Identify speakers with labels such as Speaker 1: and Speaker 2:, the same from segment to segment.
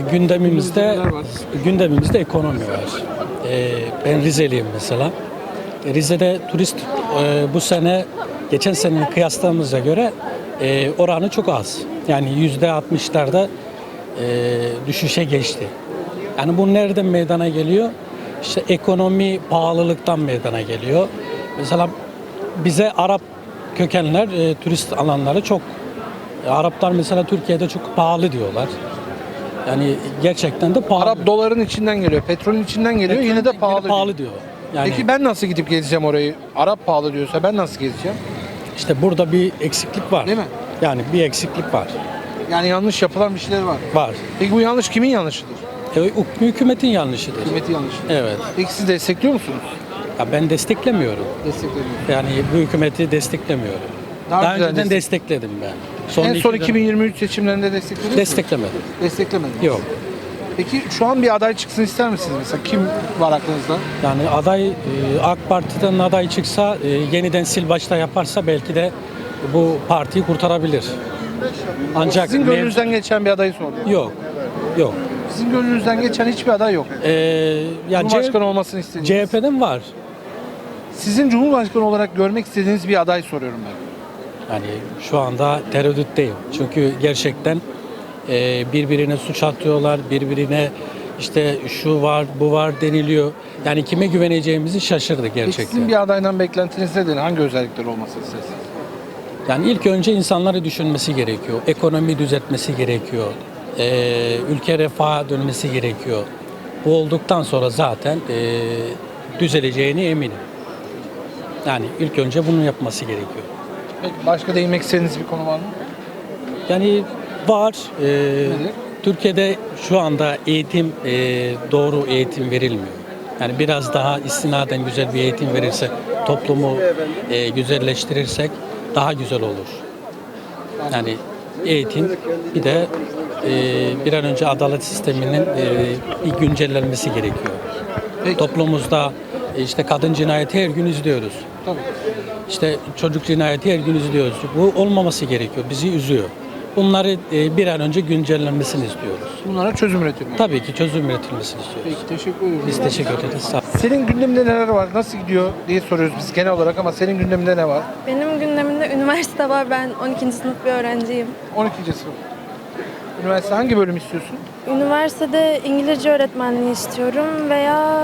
Speaker 1: gündemimizde gündemimizde ekonomi var. Ben Rizeliyim mesela. Rize'de turist bu sene geçen senenin kıyasladığımıza göre oranı çok az. Yani %60'larda düşüşe geçti. Yani bu nereden meydana geliyor? İşte ekonomi pahalılıktan meydana geliyor. Mesela bize Arap kökenler turist alanları çok. Araplar mesela Türkiye'de çok pahalı diyorlar. Yani gerçekten de pahalı.
Speaker 2: Arap doların içinden geliyor, petrolün içinden geliyor, yine de pahalı.
Speaker 1: Pahalı diyor. Yani
Speaker 2: Peki ben nasıl gidip gezeceğim orayı? Arap pahalı diyorsa ben nasıl gezeceğim?
Speaker 1: işte burada bir eksiklik var.
Speaker 2: Değil mi?
Speaker 1: Yani bir eksiklik var.
Speaker 2: Yani yanlış yapılan bir şeyler var.
Speaker 1: Var.
Speaker 2: Peki bu yanlış kimin yanlışıdır?
Speaker 1: Hükümetin yanlışıdır.
Speaker 2: Hükümeti yanlışıdır.
Speaker 1: Evet.
Speaker 2: Peki siz destekliyor musunuz?
Speaker 1: Ya ben desteklemiyorum.
Speaker 2: Desteklemiyorum.
Speaker 1: Yani bu hükümeti desteklemiyorum. Daha
Speaker 2: güzel
Speaker 1: önceden destekledim ben.
Speaker 2: En son
Speaker 1: iki
Speaker 2: 2023 seçimlerinde desteklediniz mi?
Speaker 1: desteklemedim.
Speaker 2: Desteklemediniz.
Speaker 1: Yok.
Speaker 2: Peki şu an bir aday çıksın ister misiniz mesela? Kim var aklınızda?
Speaker 1: Yani aday AK Parti'den aday çıksa yeniden sil başta yaparsa belki de bu partiyi kurtarabilir. Ancak
Speaker 2: Sizin gönlünüzden geçen bir adayı soruyorum.
Speaker 1: yok. Yok.
Speaker 2: Sizin gönlünüzden geçen hiçbir aday yok.
Speaker 1: Yani
Speaker 2: Cumhurbaşkanı olmasını istediğiniz.
Speaker 1: CHP'den var.
Speaker 2: Sizin Cumhurbaşkanı olarak görmek istediğiniz bir aday soruyorum ben.
Speaker 1: Yani şu anda tereddütteyim. Çünkü gerçekten birbirine suç atıyorlar, birbirine işte şu var, bu var deniliyor. Yani kime güveneceğimizi şaşırdık
Speaker 2: Peki
Speaker 1: gerçekten.
Speaker 2: sizin bir adaydan beklentiniz nedir? Hangi özellikler olmasını istersiniz?
Speaker 1: Yani ilk önce insanları düşünmesi gerekiyor. Ekonomi düzeltmesi gerekiyor. Ülke refaha dönmesi gerekiyor. Bu olduktan sonra zaten düzeleceğine eminim. Yani ilk önce bunu yapması gerekiyor.
Speaker 2: Peki başka değinmek istediğiniz bir konu var mı?
Speaker 1: Yani var.
Speaker 2: Nedir?
Speaker 1: Türkiye'de şu anda eğitim doğru eğitim verilmiyor. Yani biraz daha istinaden güzel bir eğitim verirse, toplumu güzelleştirirsek daha güzel olur. Yani eğitim bir de bir an önce adalet sisteminin bir güncellenmesi gerekiyor.
Speaker 2: Peki.
Speaker 1: Toplumumuzda işte kadın cinayeti her gün izliyoruz.
Speaker 2: Tabii.
Speaker 1: İşte çocuk cinayeti her gün izliyoruz. Bu olmaması gerekiyor. Bizi üzüyor. Bunları bir an önce güncellenmesini istiyoruz.
Speaker 2: Bunlara çözüm üretiyorum.
Speaker 1: Tabii ki çözüm üretilmesini istiyoruz.
Speaker 2: Peki teşekkür ederim.
Speaker 1: Biz teşekkür ederiz. Sağ olun.
Speaker 2: Senin gündeminde neler var? Nasıl gidiyor diye soruyoruz biz genel olarak ama senin gündeminde ne var?
Speaker 3: Benim gündemimde üniversite var. Ben 12. sınıf bir öğrenciyim.
Speaker 2: 12. sınıf. Üniversite hangi bölüm istiyorsun?
Speaker 3: Üniversitede İngilizce öğretmenliği istiyorum veya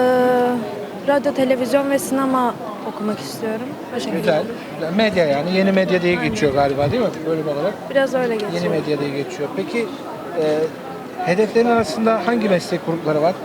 Speaker 3: radyo, televizyon ve sinema okumak istiyorum. O şekilde.
Speaker 2: Güzel. Güzel. Medya yani. Yeni medya diye geçiyor galiba değil mi? Bölüm olarak.
Speaker 3: Biraz öyle geçiyor.
Speaker 2: Yeni medya diye geçiyor. Peki hedeflerin arasında hangi meslek grupları var?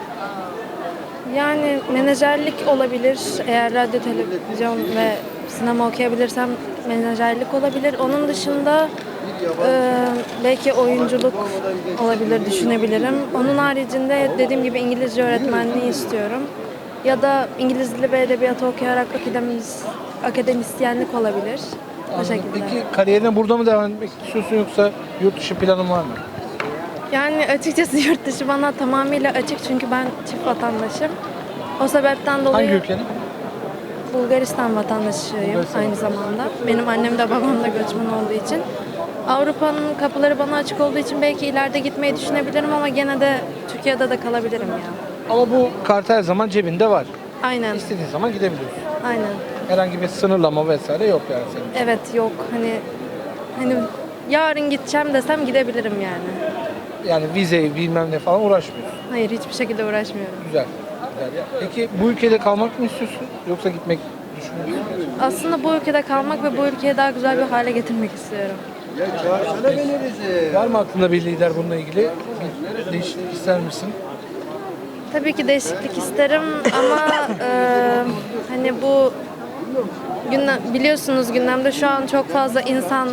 Speaker 3: Yani menajerlik olabilir. Eğer radyo, televizyon ve sinema okuyabilirsem menajerlik olabilir. Onun dışında belki oyunculuk olabilir, düşünebilirim. Onun haricinde dediğim gibi İngilizce öğretmenliği istiyorum. Ya da İngiliz dili ve edebiyatı okuyarak akademisyenlik olabilir. O şekilde.
Speaker 2: Peki kariyerine burada mı devam etmek istiyorsun yoksa yurt dışı planın var mı?
Speaker 3: Yani açıkçası yurt dışı bana tamamıyla açık çünkü ben çift vatandaşım. O sebepten dolayı
Speaker 2: Hangi ülkenin?
Speaker 3: Bulgaristan vatandaşıyım
Speaker 2: Bulgaristan.
Speaker 3: aynı zamanda. Benim annem de babam da göçmen olduğu için. Avrupa'nın kapıları bana açık olduğu için belki ileride gitmeyi düşünebilirim ama gene de Türkiye'de de kalabilirim ya.
Speaker 2: Ama bu kart her zaman cebinde var.
Speaker 3: Aynen,
Speaker 2: İstediğin zaman gidebiliyorsun.
Speaker 3: aynen.
Speaker 2: Herhangi bir sınırlama vesaire yok yani senin.
Speaker 3: Evet yok hani yarın gideceğim desem gidebilirim yani.
Speaker 2: Yani vize bilmem ne falan uğraşmıyorsun.
Speaker 3: Hayır hiçbir şekilde uğraşmıyorum.
Speaker 2: Güzel. Güzel ya. Peki bu ülkede kalmak mı istiyorsun yoksa gitmek düşünüyor musun?
Speaker 3: Aslında bu ülkede kalmak ve bu ülkeyi daha güzel bir hale getirmek istiyorum.
Speaker 2: Var mı aklında bir lider bununla ilgili? Bir değişiklik ister misin?
Speaker 3: Tabii ki değişiklik isterim ama hani bu biliyorsunuz gündemde şu an çok fazla insan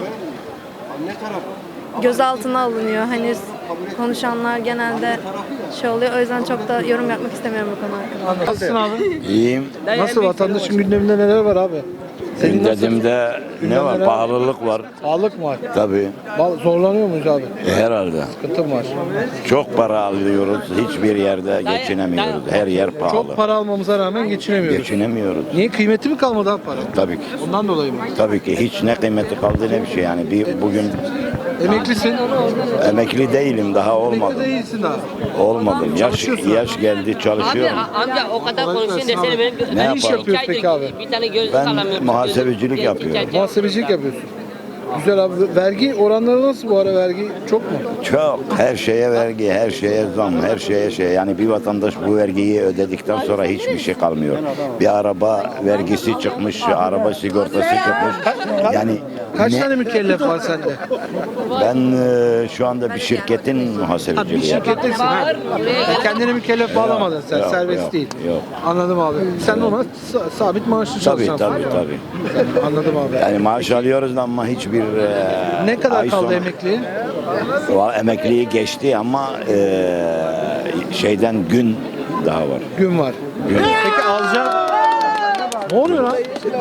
Speaker 3: gözaltına alınıyor. Hani konuşanlar genelde şey oluyor. O yüzden çok da yorum yapmak istemiyorum bu konu hakkında.
Speaker 2: Nasılsın abi?
Speaker 4: İyiyim.
Speaker 2: Nasıl vatandaşın gündeminde neler var abi? Senin nasıl?
Speaker 4: Gündemimde ne var? Pahalılık var.
Speaker 2: Sağlık mı var?
Speaker 4: Tabii.
Speaker 2: Zorlanıyor muyuz abi?
Speaker 4: Herhalde.
Speaker 2: Sıkıntı mı var?
Speaker 4: Çok para alıyoruz. Hiçbir yerde geçinemiyoruz. Her yer pahalı.
Speaker 2: Çok para almamıza rağmen geçinemiyoruz.
Speaker 4: Geçinemiyoruz.
Speaker 2: Niye kıymeti mi kalmadı abi para?
Speaker 4: Tabii ki.
Speaker 2: Ondan dolayı mı?
Speaker 4: Tabii ki hiç ne kıymeti kaldı ne bir şey yani. Bugün
Speaker 2: Emeklisin.
Speaker 4: Emekli değilim, daha
Speaker 2: Emekli
Speaker 4: olmadım.
Speaker 2: değilsin daha.
Speaker 4: Olmadım.
Speaker 2: Çalışıyorsun.
Speaker 4: Yaş geldi,
Speaker 5: Abi
Speaker 4: çalışıyorum.
Speaker 5: amca o kadar
Speaker 2: Kolay
Speaker 5: konuşuyorsun
Speaker 2: gelsin
Speaker 5: desene
Speaker 2: abi.
Speaker 5: benim
Speaker 4: Ne
Speaker 2: iş
Speaker 4: yapalım?
Speaker 2: yapıyorsun peki abi?
Speaker 5: Bir tane gözlük
Speaker 4: Ben
Speaker 5: alamıyorum.
Speaker 4: muhasebecilik yapıyorum.
Speaker 2: Muhasebecilik yapıyorsun. Güzel abi. Vergi oranları nasıl bu ara, vergi çok mu?
Speaker 4: Çok. Her şeye vergi, her şeye zam, her şeye şey. Yani bir vatandaş bu vergiyi ödedikten sonra hiçbir şey kalmıyor. Bir araba vergisi çıkmış, araba sigortası çıkmış. Yani
Speaker 2: Kaç tane mükellef var sende?
Speaker 4: ben şu anda bir şirketin
Speaker 2: Ha, bir
Speaker 4: muhasebeciliği yapıyorum.
Speaker 2: şirkettesin ha. Kendine mükellef bağlamadın sen,
Speaker 4: yok,
Speaker 2: serbest
Speaker 4: yok,
Speaker 2: değil.
Speaker 4: yok.
Speaker 2: Anladım abi. Sen ona sabit maaşlı
Speaker 4: Tabii
Speaker 2: çalışacaksın.
Speaker 4: tabii.
Speaker 2: Anladım abi.
Speaker 4: Yani maaş alıyoruz ama hiçbir
Speaker 2: Ne kadar
Speaker 4: ay
Speaker 2: kaldı
Speaker 4: sonu-
Speaker 2: emekliye?
Speaker 4: Emekliyi geçti ama şeyden gün daha var.
Speaker 2: Gün var. Peki alacağım. Ne oluyor lan?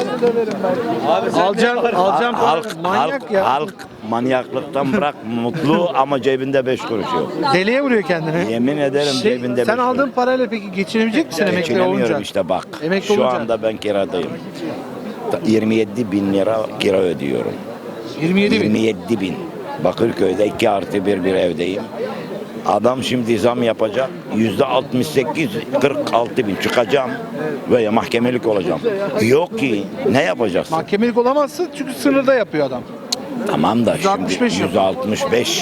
Speaker 2: Alacağım
Speaker 4: Halk,
Speaker 2: manyak ya.
Speaker 4: halk manyaklıktan bırak mutlu ama cebinde 5 kuruş yok.
Speaker 2: Deliye vuruyor kendini.
Speaker 4: Yemin ederim cebinde 5
Speaker 2: Sen
Speaker 4: kuruş.
Speaker 2: aldığın parayla peki geçinebilecek misin emekli
Speaker 4: Geçinemiyorum
Speaker 2: olunca?
Speaker 4: işte bak.
Speaker 2: Emekli
Speaker 4: Şu
Speaker 2: olunca.
Speaker 4: anda ben kiradayım. 27 bin lira kira ödüyorum.
Speaker 2: 27 bin.
Speaker 4: 27 bin. Bakırköy'de 2+1 bir evdeyim. Adam şimdi zam yapacak. %68, 46 bin çıkacağım veya mahkemelik olacağım. Yok ki ne yapacaksın?
Speaker 2: Mahkemelik olamazsın çünkü sınırda yapıyor adam.
Speaker 4: Tamam da
Speaker 2: %65
Speaker 4: şimdi
Speaker 2: yok.
Speaker 4: %65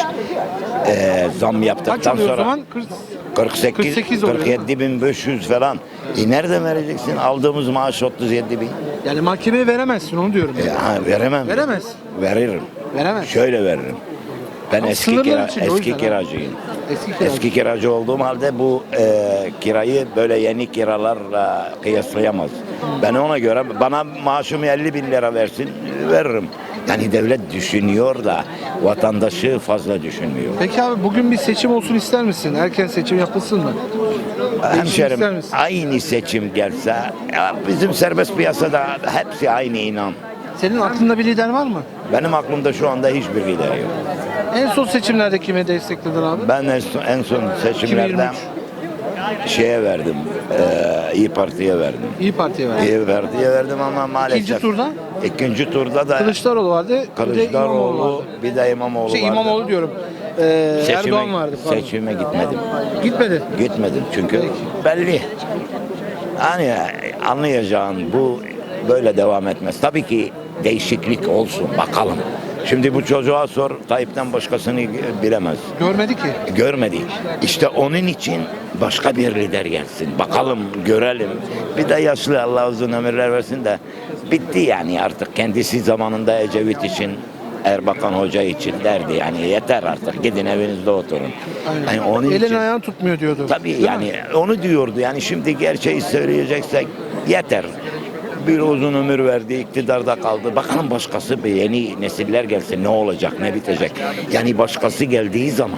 Speaker 4: zam
Speaker 2: Kaç
Speaker 4: yaptıktan
Speaker 2: oluyor o
Speaker 4: sonra
Speaker 2: zaman?
Speaker 4: 48,
Speaker 2: 48 oluyor.
Speaker 4: 47.500 falan. Nereden vereceksin? Aldığımız maaş 37 bin.
Speaker 2: Yani mahkemeye veremezsin onu diyorum.
Speaker 4: Veremem.
Speaker 2: Veremez.
Speaker 4: Veririm.
Speaker 2: Veremez.
Speaker 4: Şöyle veririm. Ben
Speaker 2: Ama
Speaker 4: eski
Speaker 2: sınırlar içinde, o yüzden ha.
Speaker 4: kiracıyım.
Speaker 2: Eski kiracı.
Speaker 4: Eski kiracı olduğum halde bu kirayı böyle yeni kiralarla kıyaslayamaz. Ben ona göre bana maaşımı 50 bin lira versin veririm. Yani devlet düşünüyor da vatandaşı fazla düşünmüyor.
Speaker 2: Peki abi bugün bir seçim olsun ister misin? Erken seçim yapılsın mı? ister
Speaker 4: Hemşerim
Speaker 2: misin?
Speaker 4: aynı seçim gelse ya bizim serbest piyasada hepsi aynı inan.
Speaker 2: Senin aklında bir lider var mı?
Speaker 4: Benim aklımda şu anda hiçbir lider yok.
Speaker 2: En son seçimlerde kime destekledin abi?
Speaker 4: Ben en son seçimlerde
Speaker 2: 2023.
Speaker 4: şeye verdim. İyi Parti'ye verdim.
Speaker 2: İyi Parti'ye verdin.
Speaker 4: İyi Parti'ye verdim ama maalesef.
Speaker 2: İkinci turda?
Speaker 4: İkinci turda da
Speaker 2: Kılıçdaroğlu vardı. Bir de İmamoğlu
Speaker 4: Kılıçdaroğlu
Speaker 2: vardı.
Speaker 4: bir de İmamoğlu vardı.
Speaker 2: İmamoğlu diyorum. Erdoğan vardı. Pardon.
Speaker 4: Seçime gitmedim.
Speaker 2: Gitmedi.
Speaker 4: Gitmedim çünkü belli. Hani anlayacağın bu böyle devam etmez. Tabii ki değişiklik olsun bakalım. Şimdi bu çocuğa sor Tayyip'ten başkasını bilemez.
Speaker 2: Görmedi ki.
Speaker 4: Görmedi. İşte onun için başka bir lider gelsin. Bakalım görelim. Bir de yaşlı Allah uzun ömürler versin de bitti yani artık kendisi zamanında Ecevit için Erbakan Hoca için derdi yani yeter artık gidin evinizde oturun. Yani onun
Speaker 2: Elin
Speaker 4: için
Speaker 2: ayağın tutmuyor diyordu.
Speaker 4: tabii
Speaker 2: Değil
Speaker 4: yani
Speaker 2: mi?
Speaker 4: onu diyordu yani şimdi gerçeği söyleyeceksek yeter. Bir uzun ömür verdi, iktidarda kaldı. Bakalım başkası bir yeni nesiller gelse ne olacak, ne bitecek? Yani başkası geldiği zaman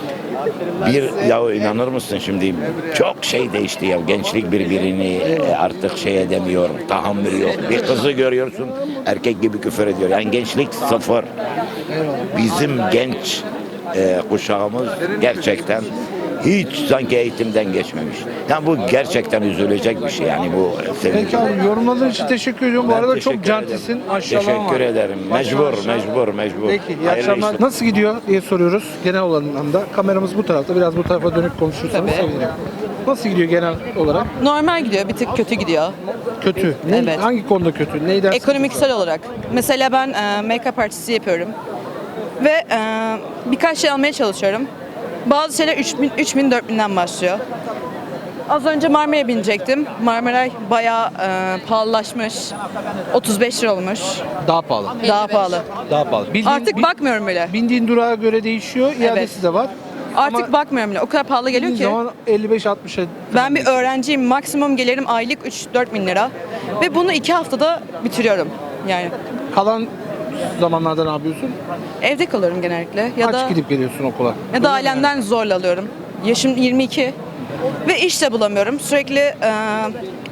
Speaker 4: ya inanır mısın şimdi çok şey değişti ya gençlik birbirini artık şey edemiyor, tahammül yok. Bir kızı görüyorsun erkek gibi küfür ediyor. Yani gençlik sıfır. Bizim genç kuşağımız gerçekten hiç sanki eğitimden geçmemiş. Yani bu gerçekten üzülecek bir şey yani bu sevinci.
Speaker 2: Peki abi yorumladığın için teşekkür ediyorum. Bu
Speaker 4: Ben
Speaker 2: arada
Speaker 4: teşekkür
Speaker 2: çok cantisin.
Speaker 4: ederim.
Speaker 2: Maşallah var.
Speaker 4: Teşekkür ederim.
Speaker 2: Maşallah.
Speaker 4: Mecbur.
Speaker 2: Peki iyi
Speaker 4: Hayırlı
Speaker 2: akşamlar.
Speaker 4: işler.
Speaker 2: Nasıl gidiyor diye soruyoruz genel anlamda. Kameramız bu tarafta. Biraz bu tarafa dönüp konuşursanız
Speaker 6: Tabii.
Speaker 2: sevinirim. Nasıl gidiyor genel olarak?
Speaker 6: Normal gidiyor, bir tık kötü gidiyor.
Speaker 2: Kötü. Ne,
Speaker 6: Evet.
Speaker 2: Hangi konuda kötü? Neyden?
Speaker 6: Ekonomiksel olarak. Mesela ben make-up artisti yapıyorum. Ve birkaç şey almaya çalışıyorum. Bazı şeyler 3000 4000'den başlıyor. Az önce Marmara'ya binecektim. Marmara bayağı pahalılaşmış. 35 lira olmuş.
Speaker 2: Daha pahalı.
Speaker 6: Daha pahalı.
Speaker 2: Daha pahalı.
Speaker 6: Artık bakmıyorum bile.
Speaker 2: Bindiğin durağa göre değişiyor. İadesi de var.
Speaker 6: Artık
Speaker 2: Ama
Speaker 6: bakmıyorum bile. O kadar pahalı geliyor
Speaker 2: bindiğin
Speaker 6: ki.
Speaker 2: zaman 55-60'a.
Speaker 6: Ben bir öğrenciyim. Maksimum gelirim aylık 3-4 bin lira. Ve bunu 2 haftada bitiriyorum. Yani
Speaker 2: Kalan zamanlarda ne yapıyorsun?
Speaker 6: evde kalıyorum genellikle. Ya
Speaker 2: Kaç
Speaker 6: da
Speaker 2: gidip geliyorsun okula?
Speaker 6: Ya da ailemden zorla alıyorum. Yaşım 22 ve iş de bulamıyorum. Sürekli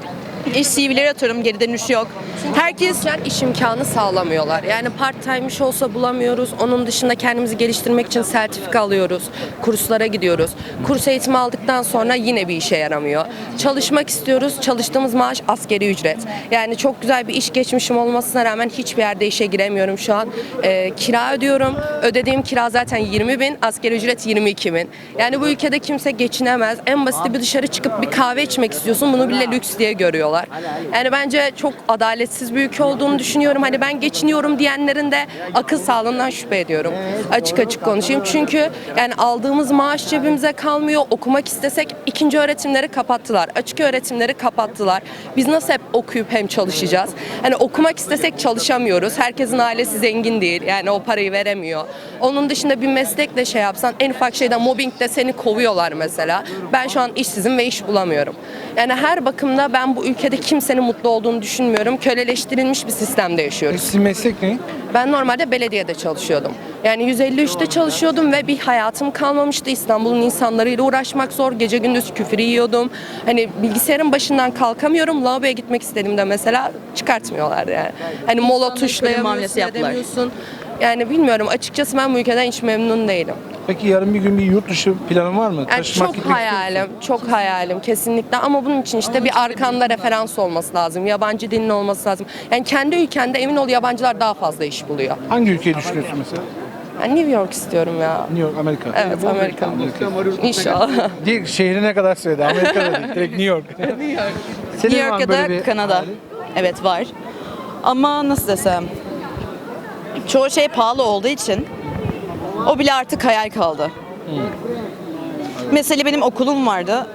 Speaker 6: İş CV'leri atıyorum, geri dönüş yok. Herkes
Speaker 5: İş imkanı sağlamıyorlar. Yani part-time iş olsa bulamıyoruz. Onun dışında kendimizi geliştirmek için sertifika alıyoruz. Kurslara gidiyoruz. Kurs eğitimi aldıktan sonra yine bir işe yaramıyor. Çalışmak istiyoruz. Çalıştığımız maaş asgari ücret. Yani çok güzel bir iş geçmişim olmasına rağmen hiçbir yerde işe giremiyorum şu an. Kira ödüyorum. Ödediğim kira zaten 20.000. Asgari ücret 22.000. Yani bu ülkede kimse geçinemez. En basiti bir dışarı çıkıp bir kahve içmek istiyorsun. Bunu bile lüks diye görüyorlar. Yani bence çok adaletsiz bir ülke olduğunu düşünüyorum. Hani ben geçiniyorum diyenlerin de akıl sağlığından şüphe ediyorum. Açık açık konuşayım. Çünkü yani aldığımız maaş cebimize kalmıyor. Okumak istesek ikinci öğretimleri kapattılar. Açık öğretimleri kapattılar. Biz nasıl hep okuyup hem çalışacağız? Hani okumak istesek çalışamıyoruz. Herkesin ailesi zengin değil. Yani o parayı veremiyor. Onun dışında bir meslekle şey yapsan en ufak şeyden mobbingde seni kovuyorlar mesela. Ben şu an işsizim ve iş bulamıyorum. Yani her bakımda ben bu ülkede kimsenin mutlu olduğunu düşünmüyorum. Köleleştirilmiş bir sistemde yaşıyoruz.
Speaker 2: Sizin meslek ne?
Speaker 5: Ben normalde belediyede çalışıyordum. Yani 153'te çalışıyordum ve bir hayatım kalmamıştı. İstanbul'un insanlarıyla uğraşmak zor. Gece gündüz küfür yiyordum. Hani bilgisayarın başından kalkamıyorum. Lavaboya gitmek istediğimde mesela çıkartmıyorlar yani. Hani mola
Speaker 6: muamelesi
Speaker 5: tuşlayamıyorsun,
Speaker 6: yaptılar.
Speaker 5: edemiyorsun. Yani bilmiyorum. Açıkçası ben bu ülkeden hiç memnun değilim.
Speaker 2: Peki yarın bir gün bir yurt dışı planın var mı?
Speaker 5: Yani
Speaker 2: Taşımak,
Speaker 5: çok
Speaker 2: gitmek istiyor
Speaker 5: hayalim, çok hayalim kesinlikle ama bunun için işte bir arkanda referans olması lazım, yabancı dilin olması lazım. Yani kendi ülkende emin ol yabancılar daha fazla iş buluyor.
Speaker 2: musun? Hangi ülkeyi düşünüyorsun mesela?
Speaker 5: Yani New York istiyorum ya.
Speaker 2: New York, Amerika.
Speaker 5: Evet, Amerika. İnşallah.
Speaker 2: Direkt şehri ne kadar söyledi? Amerika'da değil. Direkt New York. Senin
Speaker 6: New
Speaker 2: var
Speaker 6: York
Speaker 2: mı
Speaker 6: ya
Speaker 2: böyle
Speaker 6: da
Speaker 2: bir
Speaker 6: Kanada.
Speaker 2: hayalin?
Speaker 6: Evet var. Ama nasıl desem, çoğu şey pahalı olduğu için o bile artık hayal kaldı. Mesela benim okulum vardı.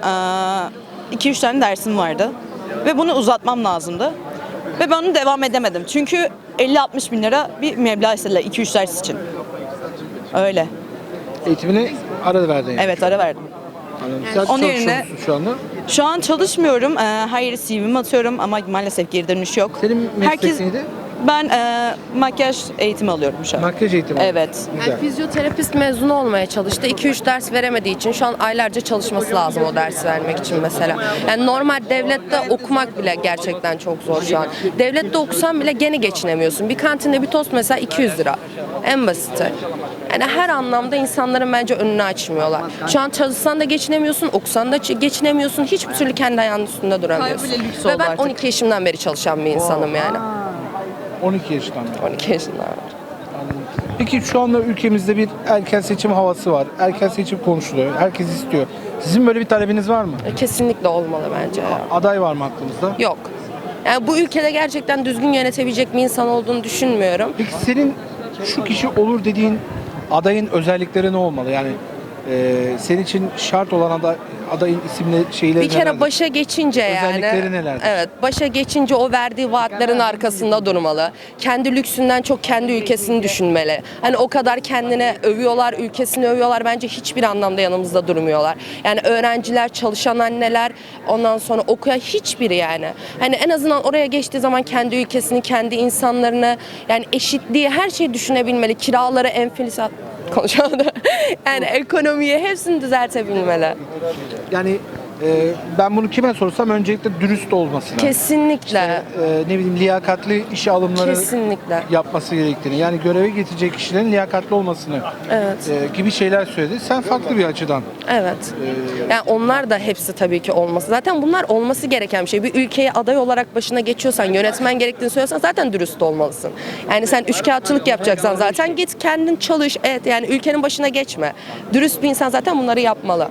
Speaker 6: 2-3 tane dersim vardı. Ve bunu uzatmam lazımdı. Ve ben onu devam edemedim. Çünkü 50-60 bin lira bir meblağ istediler 2-3 ders için. Öyle.
Speaker 2: Eğitimini ara verdin yani.
Speaker 6: Evet, ara verdim.
Speaker 2: Anladım. Sen
Speaker 6: Onun
Speaker 2: çalışıyor
Speaker 6: yerine-
Speaker 2: musun şu anda?
Speaker 6: Şu an çalışmıyorum. Hayır, CV'mi atıyorum ama maalesef geri dönüş yok.
Speaker 2: Senin meslek neydi?
Speaker 6: Ben makyaj eğitimi alıyorum şu an.
Speaker 2: Makyaj eğitimi.
Speaker 6: Evet.
Speaker 2: Güzel.
Speaker 5: Yani fizyoterapist mezunu olmaya çalıştı. 2-3 ders veremediği için şu an aylarca çalışması lazım o dersi vermek için mesela. Yani normal devlette okumak bile gerçekten çok zor şu an. Devlette okusan bile gene geçinemiyorsun. Bir kantinde bir tost mesela 200 lira. En basiti. Yani her anlamda insanların bence önünü açmıyorlar. Şu an çalışsan da geçinemiyorsun, okusan da geçinemiyorsun. Hiçbir türlü kendi ayağının üstünde duramıyorsun.
Speaker 6: Hayır, bile lüks
Speaker 5: Ve
Speaker 6: oldu
Speaker 5: ben
Speaker 6: artık.
Speaker 5: 12 yaşımdan beri çalışan bir insanım yani.
Speaker 2: 12 yaşından beri.
Speaker 5: 12 yaşından beri.
Speaker 2: Peki şu anda ülkemizde bir erken seçim havası var. Erken seçim konuşuluyor. Herkes istiyor. Sizin böyle bir talebiniz var mı?
Speaker 5: Kesinlikle olmalı bence ya.
Speaker 2: Aday var mı aklınızda?
Speaker 5: Yok. Yani bu ülkede gerçekten düzgün yönetebilecek bir insan olduğunu düşünmüyorum.
Speaker 2: Peki senin şu kişi olur dediğin adayın özellikleri ne olmalı? Yani senin için şart olan adayın isimli şeyleri
Speaker 5: Bir kere
Speaker 2: nelerdir?
Speaker 5: başa geçince yani.
Speaker 2: Özellikleri nelerdir?
Speaker 5: Evet, başa geçince o verdiği vaatlerin arkasında durmalı. Kendi lüksünden çok kendi ülkesini düşünmeli. Hani o kadar kendine övüyorlar, ülkesini övüyorlar. Bence hiçbir anlamda yanımızda durmuyorlar. Yani öğrenciler, çalışan anneler, ondan sonra okuyan hiçbiri yani. Hani en azından oraya geçtiği zaman kendi ülkesini, kendi insanlarını, yani eşitliği, her şeyi düşünebilmeli. Kiraları, enflasyon konuşamadım. Yani ekonomiyi hepsini düzeltebilmeli.
Speaker 2: Yani ben bunu kime sorsam öncelikle dürüst olması lazım.
Speaker 5: Kesinlikle.
Speaker 2: Ne bileyim liyakatli işe alımları
Speaker 5: Kesinlikle.
Speaker 2: yapması gerektiğini, yani göreve getirecek kişilerin liyakatli olmasını gibi şeyler söyledi. Sen farklı bir açıdan.
Speaker 5: Evet. Yani onlar da hepsi tabii ki olması. Zaten bunlar olması gereken bir şey. Bir ülkeye aday olarak başına geçiyorsan, yönetmen gerektiğini söylüyorsan zaten dürüst olmalısın. Yani sen üçkağıtçılık yapacaksan zaten git kendin çalış. Evet, yani ülkenin başına geçme. Dürüst bir insan zaten bunları yapmalı.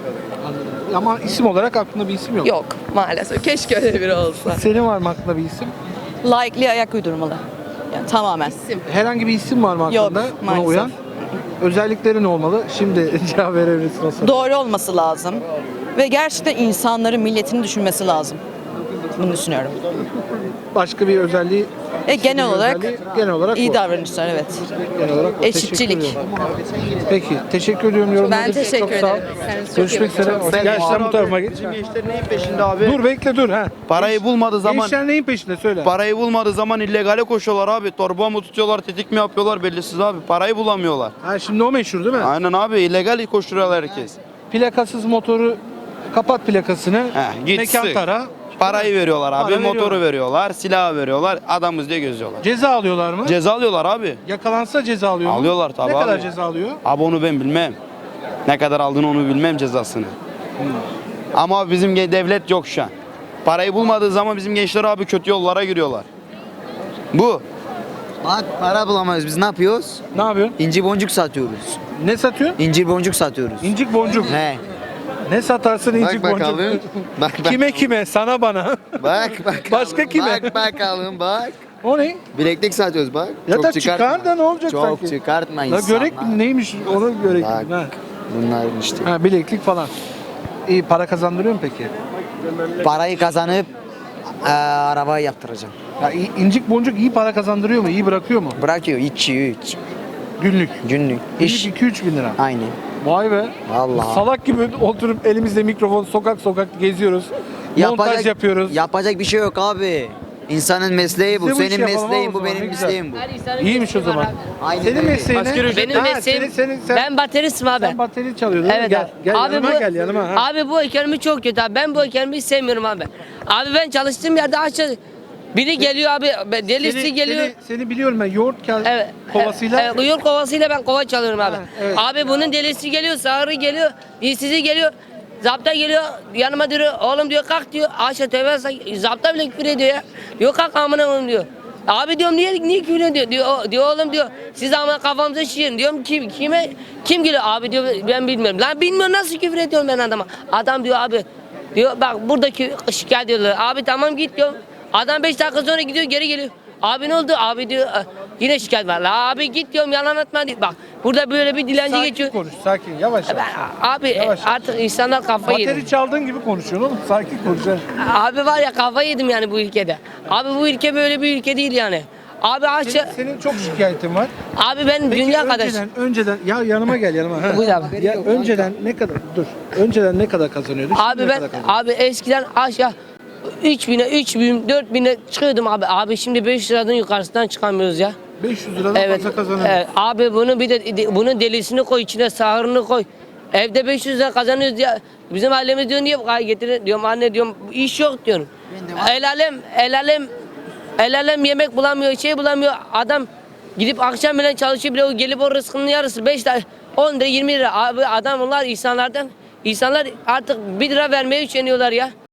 Speaker 2: Ama isim olarak aklında bir isim yok.
Speaker 5: Yok maalesef. Keşke öyle biri olsa.
Speaker 2: Senin var mı aklında bir isim?
Speaker 6: Layıklığa ayak uydurmalı. Yani tamamen.
Speaker 2: Herhangi bir isim var mı
Speaker 6: Yok,
Speaker 2: aklında? Buna
Speaker 6: maalesef.
Speaker 2: uyan. Özellikleri ne olmalı? Şimdi cevap verebilirsin o soruya.
Speaker 6: Doğru olması lazım. Ve gerçekten insanların, milletini düşünmesi lazım. Bunu düşünüyorum.
Speaker 2: Başka bir özelliği?
Speaker 6: Genel
Speaker 2: bir
Speaker 6: olarak
Speaker 2: özelliği, genel olarak
Speaker 6: iyi
Speaker 2: bu.
Speaker 6: davranışlar, evet.
Speaker 2: Genel olarak o.
Speaker 6: Eşitçilik.
Speaker 2: Teşekkür ediyorum. Peki, teşekkür ediyorum yorumlarınız
Speaker 5: Ben
Speaker 2: için.
Speaker 5: teşekkür
Speaker 2: Çok sağ ol.
Speaker 5: ederim. Kendinize çok
Speaker 2: Görüşmek üzere. Gel sen bu tarafa geç.
Speaker 7: Bizim gençler neyin peşinde abi?
Speaker 2: Dur bekle dur ha.
Speaker 7: Parayı bulmadığı zaman
Speaker 2: Gençler neyin peşinde söyle.
Speaker 7: parayı bulmadığı zaman illegale koşuyorlar abi. Torba mı tutuyorlar, tetik mi yapıyorlar bellisiz abi. Parayı bulamıyorlar.
Speaker 2: Ha şimdi o meşhur değil mi?
Speaker 7: Aynen abi illegal koşturuyorlar herkes.
Speaker 2: Plakasız motoru kapat plakasını.
Speaker 7: Gitsin.
Speaker 2: Mekan tara.
Speaker 7: Parayı veriyorlar abi,
Speaker 2: Para
Speaker 7: motoru
Speaker 2: veriyorlar.
Speaker 7: veriyorlar, silahı veriyorlar, adamız diye gözüyorlar.
Speaker 2: Ceza alıyorlar mı?
Speaker 7: Ceza alıyorlar abi.
Speaker 2: Yakalansa ceza alıyor mu?
Speaker 7: Alıyorlar tabii
Speaker 2: Ne kadar
Speaker 7: abi.
Speaker 2: ceza alıyor?
Speaker 7: Abi onu ben bilmem. Ne kadar aldığını onu bilmem cezasını. Ama bizim devlet yok şu an. Parayı bulmadığı zaman bizim gençler abi kötü yollara giriyorlar. Bu.
Speaker 8: Bak para bulamıyoruz biz ne yapıyoruz?
Speaker 2: Ne yapıyorsun?
Speaker 8: İnci boncuk satıyoruz.
Speaker 2: Ne satıyorsun?
Speaker 8: İncir boncuk satıyoruz.
Speaker 2: İncik boncuk.
Speaker 8: He.
Speaker 2: Ne satarsın incik
Speaker 8: Bak
Speaker 2: boncuk?
Speaker 8: bakalım. Bak bak.
Speaker 2: Kime? Sana bana.
Speaker 8: Bak bakalım.
Speaker 2: Başka kime?
Speaker 8: Bak bakalım bak.
Speaker 2: O ne?
Speaker 8: Bileklik satıyoruz bak.
Speaker 2: Ya da çıkar da ne olacak
Speaker 8: Çok
Speaker 2: sanki?
Speaker 8: çıkartma
Speaker 2: La
Speaker 8: insanlar.
Speaker 2: görek neymiş onu görek.
Speaker 8: Bak.
Speaker 2: Ha.
Speaker 8: Bunların işte.
Speaker 2: Ha, bileklik falan. İyi para kazandırıyor mu peki?
Speaker 8: Parayı kazanıp arabayı yaptıracağım.
Speaker 2: Ya, incik boncuk iyi para kazandırıyor mu? İyi bırakıyor mu?
Speaker 8: Bırakıyor 2-3
Speaker 2: Günlük.
Speaker 8: günlük
Speaker 2: İş
Speaker 8: iş.
Speaker 2: 2-3 bin lira.
Speaker 8: Aynen.
Speaker 2: Vay be.
Speaker 8: Vallahi.
Speaker 2: Salak gibi oturup elimizde mikrofon sokak geziyoruz. Montaj yapıyoruz.
Speaker 8: Yapacak bir şey yok abi. İnsanın mesleği bu.
Speaker 2: Biz de bu işi
Speaker 8: Senin
Speaker 2: yapalım
Speaker 8: mesleğin
Speaker 2: o
Speaker 8: bu,
Speaker 2: zaman,
Speaker 8: benim
Speaker 2: ne güzel.
Speaker 8: mesleğim bu.
Speaker 2: İyiymiş o zaman.
Speaker 8: Aynen
Speaker 2: Senin
Speaker 8: öyle.
Speaker 2: mesleğin ne?
Speaker 9: Benim
Speaker 2: Ha,
Speaker 9: mesleğim,
Speaker 2: sen,
Speaker 9: ben bateristim abi.
Speaker 2: sen bateri çalıyordun. değil mi?
Speaker 9: Evet
Speaker 2: Gel,
Speaker 9: abi.
Speaker 2: gel
Speaker 9: Abi
Speaker 2: yanıma
Speaker 9: bu,
Speaker 2: gel yanıma. Ha.
Speaker 9: Abi bu ekonomi çok kötü abi. Ben bu ekonomiyi sevmiyorum abi. Abi ben çalıştığım yerde aşağı biri geliyor abi, delisi geliyor.
Speaker 2: Seni biliyorum ben. Yoğurt
Speaker 9: Evet.
Speaker 2: kovasıyla.
Speaker 9: Evet, uyur kovasıyla ben kova çalıyorum abi.
Speaker 2: Ha, evet.
Speaker 9: Abi bunun delisi geliyor, sağırı geliyor, dilsizi geliyor. Zapta geliyor, yanıma diyor, oğlum diyor kalk diyor. Aşağı tövbe zapta bile küfür ediyor ya. Diyor kalk amına koyayım diyor. Abi diyorum niye küfür ediyor? Diyor oğlum diyor. Siz ama kafamıza şişirin. Diyorum kim geliyor? Abi diyor ben bilmiyorum. Lan bilmiyorum nasıl küfür ediyorum ben adama. Adam diyor abi diyor bak buradaki şikayet ediyorlar. Abi tamam git diyor. Adam 5 dakika sonra gidiyor geri geliyor. Abi ne oldu? Abi diyor yine şikayet var. La abi git diyorum yalan atma diyor. Bak burada böyle bir dilenci
Speaker 2: Sakin
Speaker 9: geçiyor.
Speaker 2: konuş sakin yavaş yavaş.
Speaker 9: Abi
Speaker 2: Yavaş.
Speaker 9: artık insanlar kafayı yedi.
Speaker 2: Bateri çaldığın gibi konuşuyorsun oğlum. Sakin konuş. ha.
Speaker 9: Abi var ya kafayı yedim yani bu ülkede. Abi bu ülke böyle bir ülke değil yani. Abi aşağı...
Speaker 2: Senin çok şikayetin var.
Speaker 9: Abi ben
Speaker 2: Peki
Speaker 9: dünya kadar...
Speaker 2: önceden ya yanıma gel yanıma. Ha.
Speaker 9: Buyur abi.
Speaker 2: Ya önceden ne kadar dur. Önceden ne kadar kazanıyordun? Şimdi
Speaker 9: Abi
Speaker 2: ne
Speaker 9: ben
Speaker 2: kadar kazanıyorsun?
Speaker 9: abi eskiden aşağı 3000'e 3000 4000'e çıkıyordum abi. Abi şimdi 500 liradan yukarısından çıkamıyoruz ya.
Speaker 2: 500 liradan
Speaker 9: Evet.
Speaker 2: fazla kazanıyorsun.
Speaker 9: Evet. Abi bunu bir de bunun delisini koy içine sahırını koy. Evde 500 lira kazanıyoruz ya. Bizim ailemiz diyor niye bu kadar getirin? Diyorum anne diyorum iş yok diyorum. El alem yemek bulamıyor, şey bulamıyor. Adam gidip akşam bile çalışıyor bile o gelip o rızkının yarısı 5 lira 10 lira 20 lira. Abi adamlar insanlar artık 1 lira vermeye üşeniyorlar ya.